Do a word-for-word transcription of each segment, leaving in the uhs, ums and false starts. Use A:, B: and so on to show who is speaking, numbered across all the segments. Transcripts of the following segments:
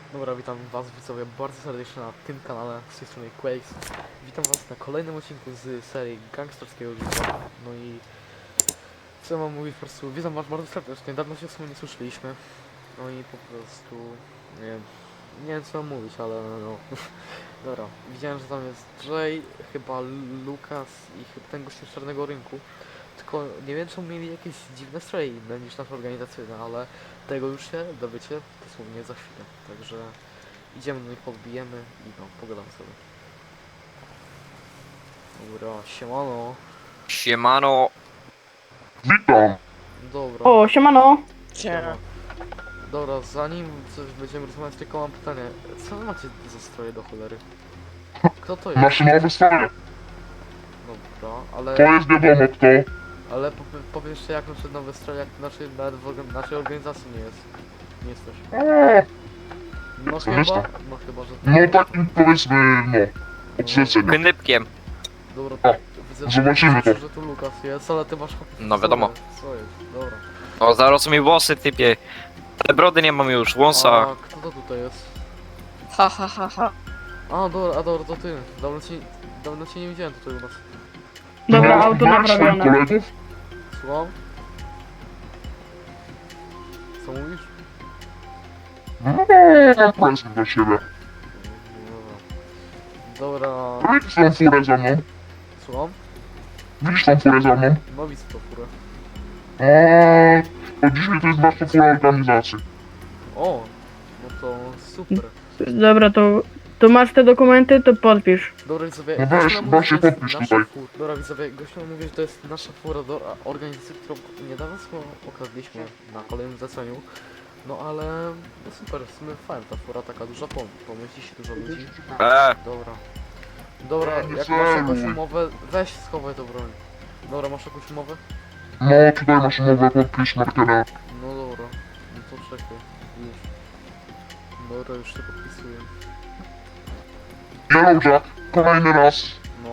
A: Dobra, witam was widzowie bardzo serdecznie na tym kanale, z tej strony Quakes. Witam was na kolejnym odcinku z serii gangsterskiego życia. No i co mam mówić, po prostu witam was bardzo serdecznie, dawno się w sumie nie słyszeliśmy. No i po prostu, nie wiem, nie wiem co mam mówić, ale no. Dobra, widziałem, że tam jest Jay, chyba Lukas i chyba ten gościu z Czarnego Rynku. Tylko nie wiem, czy mieli jakieś dziwne stroje inne niż nasze organizacyjne, ale tego już się dowiecie dosłownie za chwilę. Także idziemy do nich, podbijemy i no, pogadamy sobie. Dobra, siemano.
B: Siemano.
C: Witam.
A: Dobra.
D: O, siemano.
A: siema. Dobra, zanim coś będziemy rozmawiać, tylko mam pytanie. Co wy macie za stroje do cholery? Kto to jest?
C: Nasze nowe stroje.
A: Dobra,
C: To
A: ale...
C: jest wiadomo kto.
A: Ale po, powiesz jeszcze jak nasze nowe stroje, jak nasze, nawet w organ- naszej organizacji nie jest. Nie jesteś.
C: O,
A: No
C: Co
A: chyba,
C: jest to?
A: no chyba, że...
C: no takim powiedzmy, no, odrzucenie.
B: Knypkiem.
A: Dobra,
C: O,
A: widzę,
C: zobaczymy
A: widzę,
C: to.
A: że tu Lukas jest, ale ty masz...
B: No wiadomo.
A: Co jest? Dobra.
B: O, zaraz mi włosy typie. Ale brody nie mam już, wąsa.
A: A kto to tutaj jest?
D: Ha, ha, ha, ha.
A: A, dobra, a dobra, to ty. Dawno cię, dawno cię nie widziałem tutaj u nas.
D: Dobra,
C: No,
D: auto
C: masz swoich
D: naprawione.
C: kolegów?
A: Słucham? Co mówisz?
C: No, mam prezent dla siebie.
A: Dobra. Dobra,
C: Widzisz tą furę za mną?
A: słucham?
C: Widzisz tą furę za mną?
A: No widzę to furę.
C: Eee, to dzisiaj to jest nasza fura organizacji.
A: O, no to super.
D: Dobra, to, to masz te dokumenty, to podpisz.
A: Dobra widzowie,
C: No weź,
A: gościu nam mówi,
C: właśnie
A: że to jest
C: podpisz
A: nasza
C: tutaj.
A: fura. Dobra widzowie, gościu nam mówi, że to jest nasza fura do a, organizacji, którą niedawno sobie okradliśmy na kolejnym zleceniu. No ale, no super, w sumie fajna ta fura, taka duża, pom pomieści się dużo ludzi.
B: Eee,
A: Dobra. Dobra,
C: Nie
A: jak masz jakąś
C: celuj.
A: umowę, weź schowaj tą broń. Dobra, masz jakąś umowę?
C: No, tutaj masz umowę, podpisz markerem.
A: No dobra, no to czekaj, już. Dobra, już się podpisuję.
C: Yellowjack, kolejny raz.
A: No,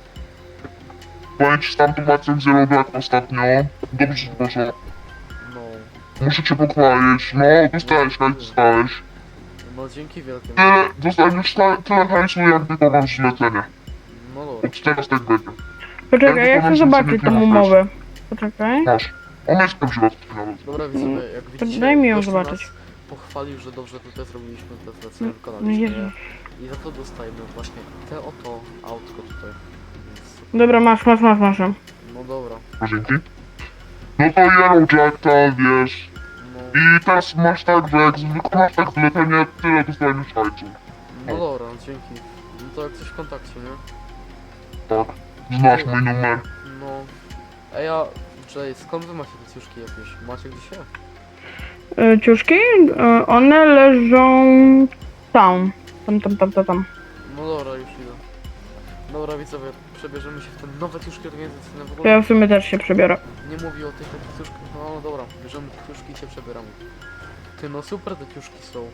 C: Powiem ci z tamtą akcją z Yellowjack ostatnio. Dobrze poszło.
A: no,
C: Muszę cię pochwalić. No, dostałeś, hajs dostałeś.
A: no dzięki wielkie.
C: Tyle, dostaniesz ta- tyle hajsu, jak wykonasz zlecenie.
A: No dobra,
C: Od teraz tak będzie.
D: Poczekaj, ja chcę zobaczyć tą umowę. Poczekaj.
C: Masz. On jest prawdziwy nawet.
A: dobra widzowie, jak widzicie,
D: Daj mi ją
A: gościu
D: zobaczyć.
A: nas pochwalił, że dobrze tutaj zrobiliśmy te zlecenie,
D: No
A: wykonaliśmy
D: Jezu.
A: je. I za to dostajemy właśnie te oto autko tutaj. Więc,
D: Dobra, masz, masz, masz, masz.
A: no dobra,
C: Dzięki. No to Yellowjack, to wiesz.
A: no,
C: I teraz masz tak, że jak wykonasz tak zlecenie, tyle dostaniesz hajsu.
A: no dobra, dzięki. No to jak coś w kontakcie, nie?
C: Tak. Znasz mój numer.
A: No. Ej, a Jay, skąd wy macie te ciuszki jakieś? Macie gdzieś je?
D: Y, Ciuszki? Y, One leżą tam. Tam, tam, tam, tam, tam.
A: No dobra, już idę. Dobra widzowie, przebierzemy się w te nowe ciuszki organizacyjne w
D: To
A: ogóle.
D: ja w sumie też się przebiorę.
A: Nie mówi o tych takich ciuszkach. No, no dobra, bierzemy te ciuszki i się przebieramy. Ty, no super te ciuszki są.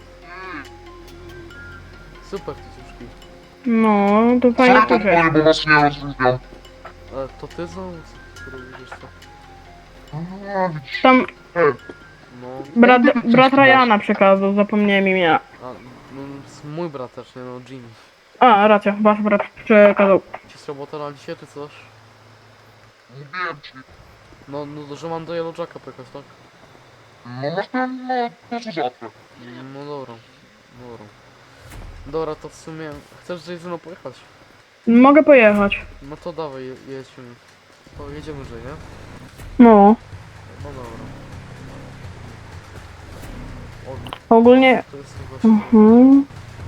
A: Super te ciuszki.
D: No, to
C: Co
D: fajnie
C: to
D: poszedł.
C: twoje, bo was nie rozróżniam.
A: Ale to ty znowu, który widzisz co?
C: A, widzisz.
D: Tam
C: Ej,
A: No,
D: brat, brat Ryana przekazał, zapomniałem imienia.
A: a, no, s- mój brat też, nie no, Jimmy.
D: A, racja, wasz brat przekazał.
A: Ci z robota na dzisiaj czy coś?
C: mówiłem ci.
A: No, no, że mam do Yellowjacka pojechać, tak?
C: No masz ten, no, to co zawsze.
A: No dobra, dobra. Dobra, to w sumie chcesz gdzieś ze mną pojechać?
D: Mogę pojechać.
A: No to dawaj, je- jedźmy. To jedziemy, że nie?
D: No.
A: No dobra. O,
D: Ogólnie...
A: to jest właśnie...
D: Mhm.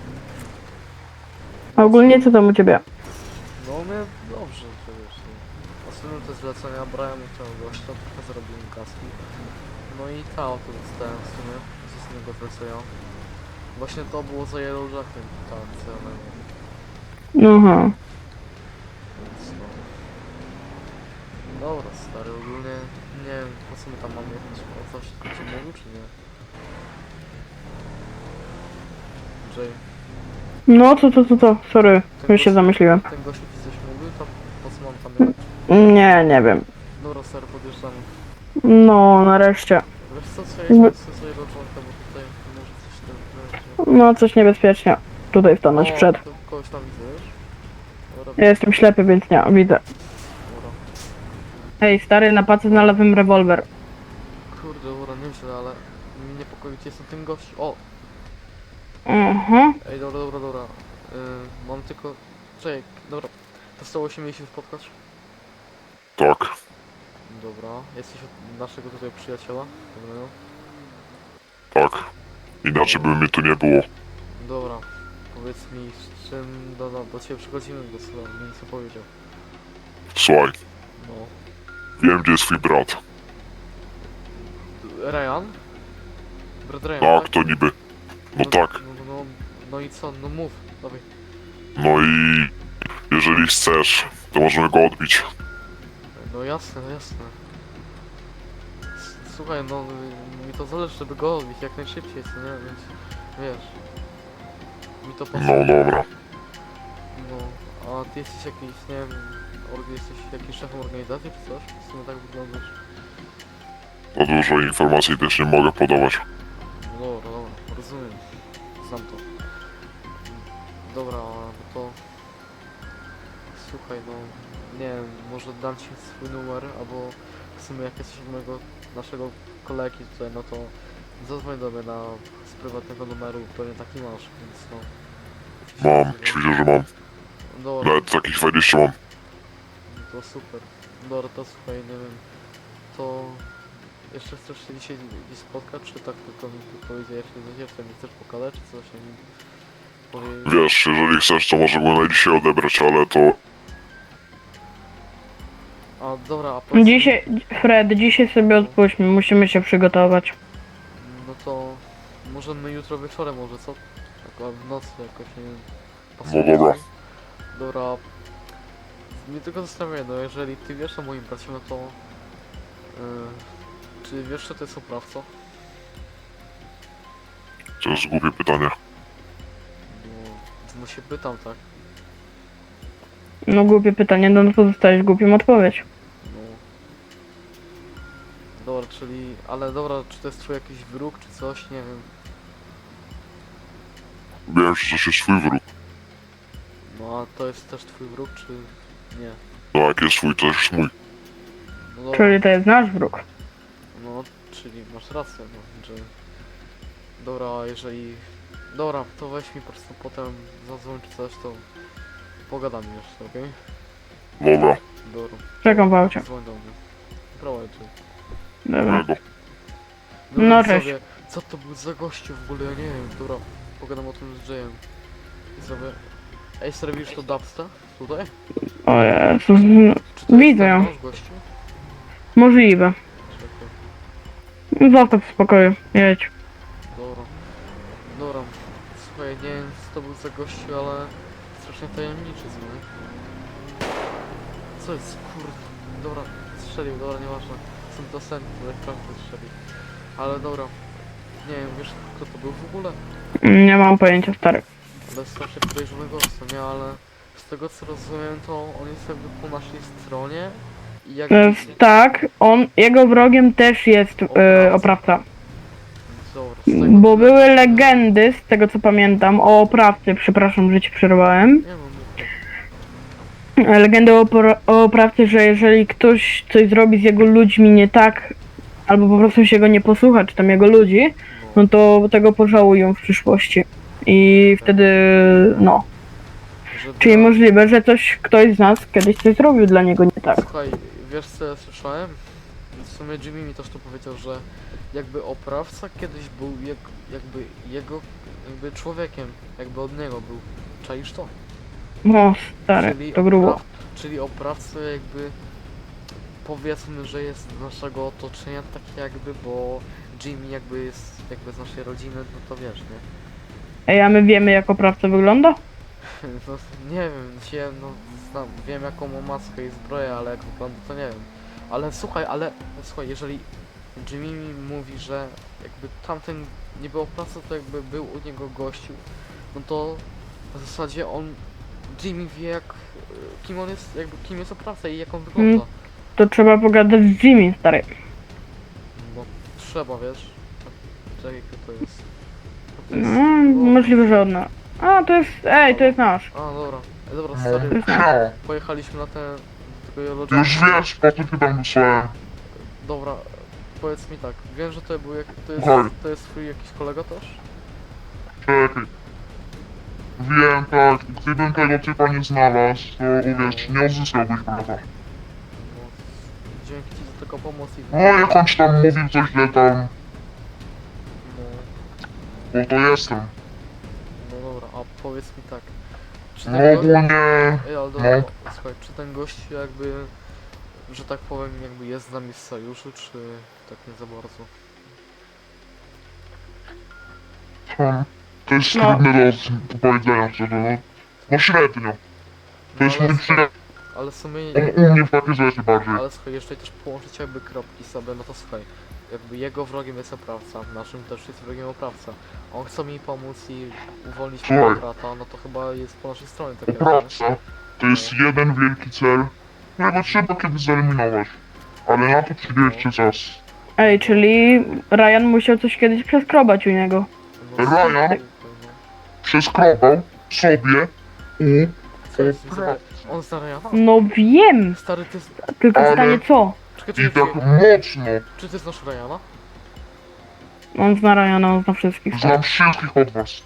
D: A ogólnie co tam u ciebie?
A: No mnie dobrze, to wiesz. no. Ostatnio te zlecenia brałem u tego gościa, trochę zarobiłem kaski. No i ta oto dostałem w sumie z ostatniego zlecenia. Właśnie to było za Yellowjackiem, ta akcja, no.
D: Aha.
A: Więc no. Dobra, stary, ogólnie nie wiem po co my tam mamy jechać, o coś ci mówił czy nie? Jay,
D: No, co, co, co, co? Sorry,
A: ten
D: już się
A: gość-
D: zamyśliłem.
A: ten gościu ci coś mówił, to po co mam tam jechać?
D: Nie, nie wiem.
A: Dobra, stary, podjeżdżamy.
D: No, nareszcie.
A: Wiesz co, co ja jestem sobie do członka, bo tutaj może coś tam...
D: No, coś niebezpiecznie. Tutaj stanąć
A: O,
D: przed.
A: to kogoś tam widzę, wiesz? Dobra,
D: Ja jestem ślepy, więc nie, widzę.
A: dobra.
D: Hej, stary, na pacy znalazłem rewolwer.
A: Kurde, dobra, nieźle, ale mnie niepokoi, gdzie jest ten gość. O!
D: Mhm.
A: Ej, dobra, dobra, dobra. Yy, mam tylko... Czekaj, dobra. To stało się mieliśmy spotkać?
C: Tak,
A: Dobra. Jesteś od naszego tutaj przyjaciela? Dobrego.
C: tak. Inaczej by mnie tu nie było.
A: Dobra. Powiedz mi, z czym do, do, do ciebie przychodzimy, bo co mi nic nie powiedział.
C: Słuchaj,
A: No.
C: wiem gdzie jest twój brat.
A: Ryan? Brat Ryan,
C: Tak, to niby. No tak.
A: No, no, no, no i co? No mów, dawaj.
C: No i jeżeli chcesz, to możemy go odbić.
A: No jasne, no jasne. S- Słuchaj, no mi to zależy, żeby go odbić jak najszybciej, co nie? Więc wiesz. Mi to pasuje.
C: No dobra.
A: No, a ty jesteś jakiś, nie wiem, org- jesteś jakiś szefem organizacji czy coś? W sumie tak wyglądasz.
C: Za dużo informacji też nie mogę podawać.
A: No dobra, dobra, rozumiem. Znam to. Dobra, no to... Słuchaj, no... Nie wiem, może dam ci swój numer, albo w sumie jak jesteś od mojego, naszego kolegi tutaj, no to zadzwoń do mnie na, z prywatnego numeru, pewnie taki masz, więc no...
C: Mam, ćwiczę, że mam.
A: Dobra,
C: Nawet takich dwadzieścia mam.
A: to super. Dobra, to słuchaj, nie wiem, to... Jeszcze chcesz się dzisiaj gdzieś spotkać, czy tak tylko mi tu powiedziałeś, że jeszcze nie chcesz pokazać, czy coś mi powiedzieć?
C: Wiesz, jeżeli chcesz, to możemy go na dzisiaj odebrać, ale to...
A: A dobra, a powiedz mi-
D: Dzisiaj, Fred, dzisiaj sobie odpuśćmy, musimy się przygotować.
A: No to możemy jutro wieczorem może, co? Tak, a w nocy jakoś, nie wiem.
C: No
A: pasuje
C: dobra.
A: ci? Dobra. Mnie tylko zastanawia, no jeżeli ty wiesz o moim bracie, no to... Yy, czy wiesz, że to jest oprawca?
C: To jest głupie pytanie.
A: No, no się pytam, tak?
D: No głupie pytanie, no to dostałeś głupią odpowiedź.
A: No. Dobra, czyli... Ale dobra, czy to jest twój jakiś wróg, czy coś, nie wiem.
C: Wiem, że to jest twój wróg.
A: No a to jest też twój wróg, czy nie?
C: No jak jest twój, to jest mój.
A: No dobra.
D: Czyli to jest nasz wróg.
A: No, czyli masz rację, no, że... Dobra, a jeżeli... Dobra, to weź mi po prostu potem zadzwoń czy coś, to pogadamy jeszcze, okej?
C: Dobra,
A: Dobra.
D: Czekam w aucie.
A: Dzwoń do mnie. Prowadź.
D: Dobra.
C: tego.
D: No,
A: i
D: cześć.
A: sobie, co to był za gościu w ogóle, ja nie wiem, dobra, pogadam o tym z Jayem. I sobie... Ej, serwisz to dubsta? Tutaj?
D: O Jezus,
A: Czy to
D: Widzę
A: jest
D: ją.
A: ten nasz gościu?
D: możliwe.
A: Czekaj,
D: Zostaw w spokoju, jedź.
A: dobra. Dobra, słuchaj, nie wiem co to był za gościu, ale strasznie tajemniczy, co nie? Co jest, kurde, dobra, strzelił, dobra, nieważne. Są to sen, które prawdę strzelił. Ale dobra, nie wiem, wiesz kto to był w ogóle?
D: Nie mam pojęcia, stary.
A: Ale strasznie podejrzany gość, co nie, ale z tego co rozumiem, to on jest jakby po naszej stronie i jakby...
D: E, Tak, on, jego wrogiem też jest e, oprawca.
A: Dobra, z tego
D: Bo
A: co-
D: były legendy, z tego co pamiętam, o oprawcy, przepraszam, że ci przerwałem.
A: Nie no, mów.
D: E, Legendy o, opra- o oprawcy, że jeżeli ktoś coś zrobi z jego ludźmi nie tak, albo po prostu się go nie posłucha, czy tam jego ludzi,
A: no,
D: no to tego pożałują w przyszłości. I wtedy, no.
A: żeby...
D: Czyli możliwe, że coś, ktoś z nas kiedyś coś zrobił dla niego nie tak.
A: Słuchaj, wiesz co ja słyszałem? W sumie Jimmy mi też to powiedział, że jakby oprawca kiedyś był jak, jakby jego jakby człowiekiem, jakby od niego był. Czaisz to?
D: O, stary, to grubo.
A: opraw- czyli oprawca jakby powiedzmy, że jest z naszego otoczenia tak jakby, bo Jimmy jakby jest jakby z naszej rodziny, no to wiesz, nie?
D: Ej, a my wiemy jak oprawca wygląda?
A: No nie wiem, się, no znam, wiem jaką ma maskę i zbroję, ale jak wygląda to nie wiem. Ale słuchaj, ale słuchaj, jeżeli Jimmy mi mówi, że jakby tamten nie był oprawca, to jakby był u niego gościu, no to w zasadzie on, Jimmy wie jak, y, kim on jest, jakby kim jest oprawca i jak on wygląda.
D: To trzeba pogadać z Jimmy, stary.
A: No trzeba, wiesz. Czekaj, kto to jest. to jest...
D: No, możliwe, że od nas. A, to jest, ej, to jest nasz.
A: A, dobra. E, dobra,
C: No,
A: stary,
C: no.
A: pojechaliśmy na ten... tego lodża.
C: Już wiesz, po co cię tam wysłałem.
A: Dobra, powiedz mi tak, wiem, że to był jak... to jest...
C: Słuchaj.
A: to jest twój jakiś kolega też?
C: Czekaj. Wiem, tak, gdybym tego typa nie znalazł, to uwierz, nie odzyskałbyś brata.
A: No, dzięki ci za taką pomoc i...
C: No, jak on ci tam mówił coś źle tam,
A: No,
C: bo to jestem.
A: no dobra, a powiedz mi tak. Czy
C: No
A: ten gość...
C: ogólnie,
A: Ej, ale dobra, słuchaj, czy ten gość jakby... że tak powiem, jakby jest z nami w sojuszu, czy tak nie za bardzo?
C: hmm, to jest
D: No.
C: trudne do powiedzenia szczerze, no. No średnio. To jest
A: ale,
C: mój przyjaciel,
A: ale w sumie...
C: on u mnie w takie rzeczy bardziej.
A: Ale słuchaj, jeszcze też połączyć jakby kropki sobie, no to słuchaj, jakby jego wrogiem jest oprawca, naszym też jest wrogiem oprawca. On chce mi pomóc i uwolnić
C: Słuchaj.
A: mojego brata, no to chyba jest po naszej stronie tak jakby.
C: Oprawca to jest jeden wielki cel, którego trzeba kiedyś zeliminować. Ale na to przyjdzie czas.
D: Ej, czyli Ryan musiał coś kiedyś przeskrobać u niego.
A: No,
C: Ryan?
A: słuchaj, no.
C: Przeskrobał sobie u
A: Co jest, słuchaj,
C: oprawcy.
A: on zna Ryana?
D: No wiem,
A: Stary, ty... z-
D: tylko
C: Ale-
D: pytanie co?
A: Czekaj,
C: I
A: czekaj,
C: tak
A: czekaj.
C: mocno.
A: Czy ty znasz Ryana?
D: On zna Ryana, on zna wszystkich.
C: Znam wszystkich od was.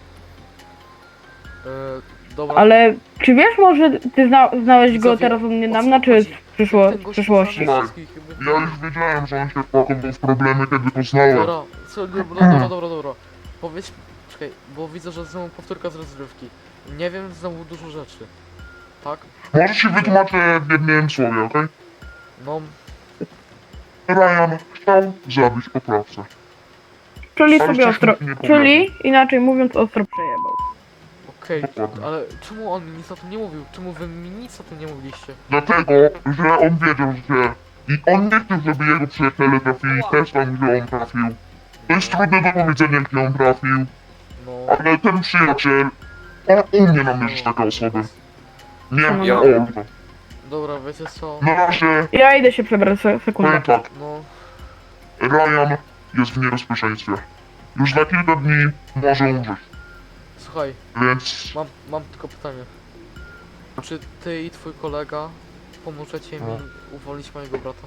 A: E, dobra.
D: Ale czy wiesz może, ty zna, znałeś go
A: Widzowie,
D: teraz u mnie
A: o co
D: dawna, czy
A: chodzi?
D: w, przyszło,
A: Ten
D: w
A: gość
D: przyszłości?
A: zna
C: Słuchaj,
A: wszystkich, jakby-
C: Ja już wiedziałem, że on się wpakował w problemy, kiedy go znałem.
A: Dobra, co, dobra, dobra, dobra, dobra. Powiedz, czekaj, bo widzę, że znowu powtórka z rozrywki. Nie wiem znowu dużo rzeczy. Tak?
C: Może ci wytłumaczę w jednym słowie, okej?
A: No,
C: Ryan chciał zabić oprawcę.
D: Czyli
C: Ale
D: sobie
C: coś
D: ostro,
C: mi nie
D: czyli inaczej mówiąc ostro przejebał.
A: okej,
C: Dokładnie.
A: ale czemu on mi nic o tym nie mówił? Czemu wy mi nic o tym nie mówiliście?
C: Dlatego, że on wiedział, że... I on nie chciał, żeby jego przyjaciele trafili też tam, gdzie on trafił. To jest trudne do powiedzenia, gdzie on trafił,
A: No,
C: ale ten przyjaciel... On umie namierzyć takie osoby. Nie
D: No,
C: ja.
D: no.
C: Olga.
A: dobra, wiecie co?
C: Na razie,
D: Ja idę się przebrać, se- sekundę.
C: powiem tak.
A: No,
C: Ryan jest w niebezpieczeństwie. Już za kilka dni może umrzeć,
A: słuchaj,
C: więc...
A: mam, mam tylko pytanie. Czy ty i twój kolega pomożecie mi uwolnić mojego brata?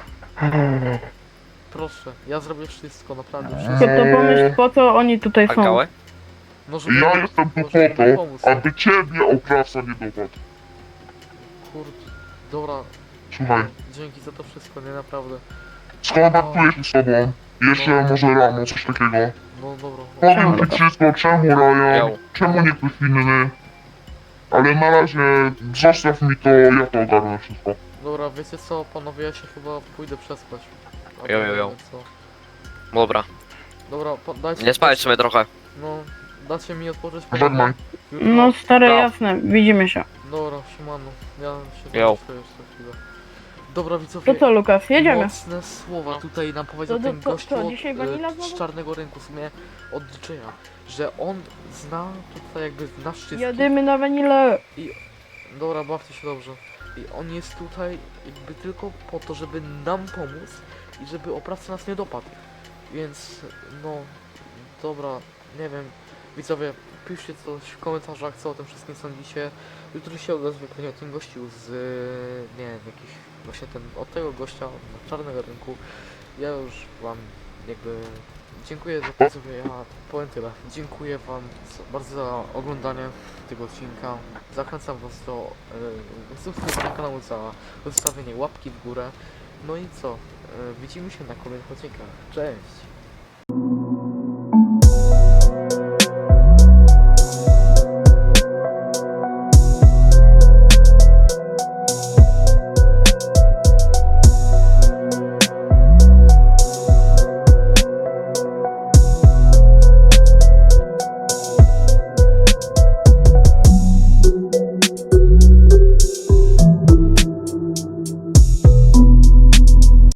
A: Proszę, ja zrobię wszystko, naprawdę wszystko.
D: Tylko to pomyśl, po co oni tutaj
B: A
D: są.
B: gałę?
A: No, żeby,
C: Ja jestem tu
A: no,
C: po
A: żeby mi
C: to,
A: pomóc.
C: aby ciebie oprawca nie dopadł.
A: Kurde, dobra,
C: Słuchaj,
A: dzięki za to wszystko, nie naprawdę.
C: skontaktuję się z tobą. Jeszcze może rano, coś takiego.
A: No dobra, no.
C: Powiem ci wszystko, czemu Ryan,
B: Miał.
C: czemu nie ktoś inny. Ale na razie zostaw mi to, ja to ogarnę wszystko.
A: Dobra, wiecie co, panowie, ja się chyba pójdę przespać. A
B: Jo, jo, jo.
A: panowie, co?
B: Dobra,
A: Dobra, po, dajcie...
B: nie spać sobie trochę.
A: No, dacie mi odpocząć.
C: Żegnaj.
A: Jutro-
D: No stare,
B: No.
D: jasne, widzimy się.
A: Dobra, siemano, ja się
B: Jo.
A: zamknę jeszcze chwilę. Dobra, widzowie,
D: To co, Lukas, jedziemy.
A: mocne słowa tutaj nam powiedział
D: To- to-
A: ten
D: to-
A: gościu
D: to
A: od,
D: dzisiaj
A: e,
D: wanila
A: z
D: znowu?
A: czarnego rynku, w sumie od D J-a, że on zna tutaj jakby nas wszystkich.
D: Jadymy na wanilę.
A: Dobra, bawcie się dobrze. I on jest tutaj jakby tylko po to, żeby nam pomóc i żeby oprawca nas nie dopadł. Więc no, dobra, nie wiem, widzowie, piszcie coś w komentarzach, co o tym wszystkim sądzicie. Jutro się odezwę pewnie o tym gościu z, nie wiem, jakiś, właśnie ten, od tego gościa na czarnego rynku. Ja już wam jakby dziękuję za to, co ja powiem tyle. Dziękuję wam za- bardzo za oglądanie tego odcinka. Zachęcam was do e, subskrypcji kanału, za zostawienie łapki w górę. No i co? E, widzimy się na kolejnych odcinkach. Cześć!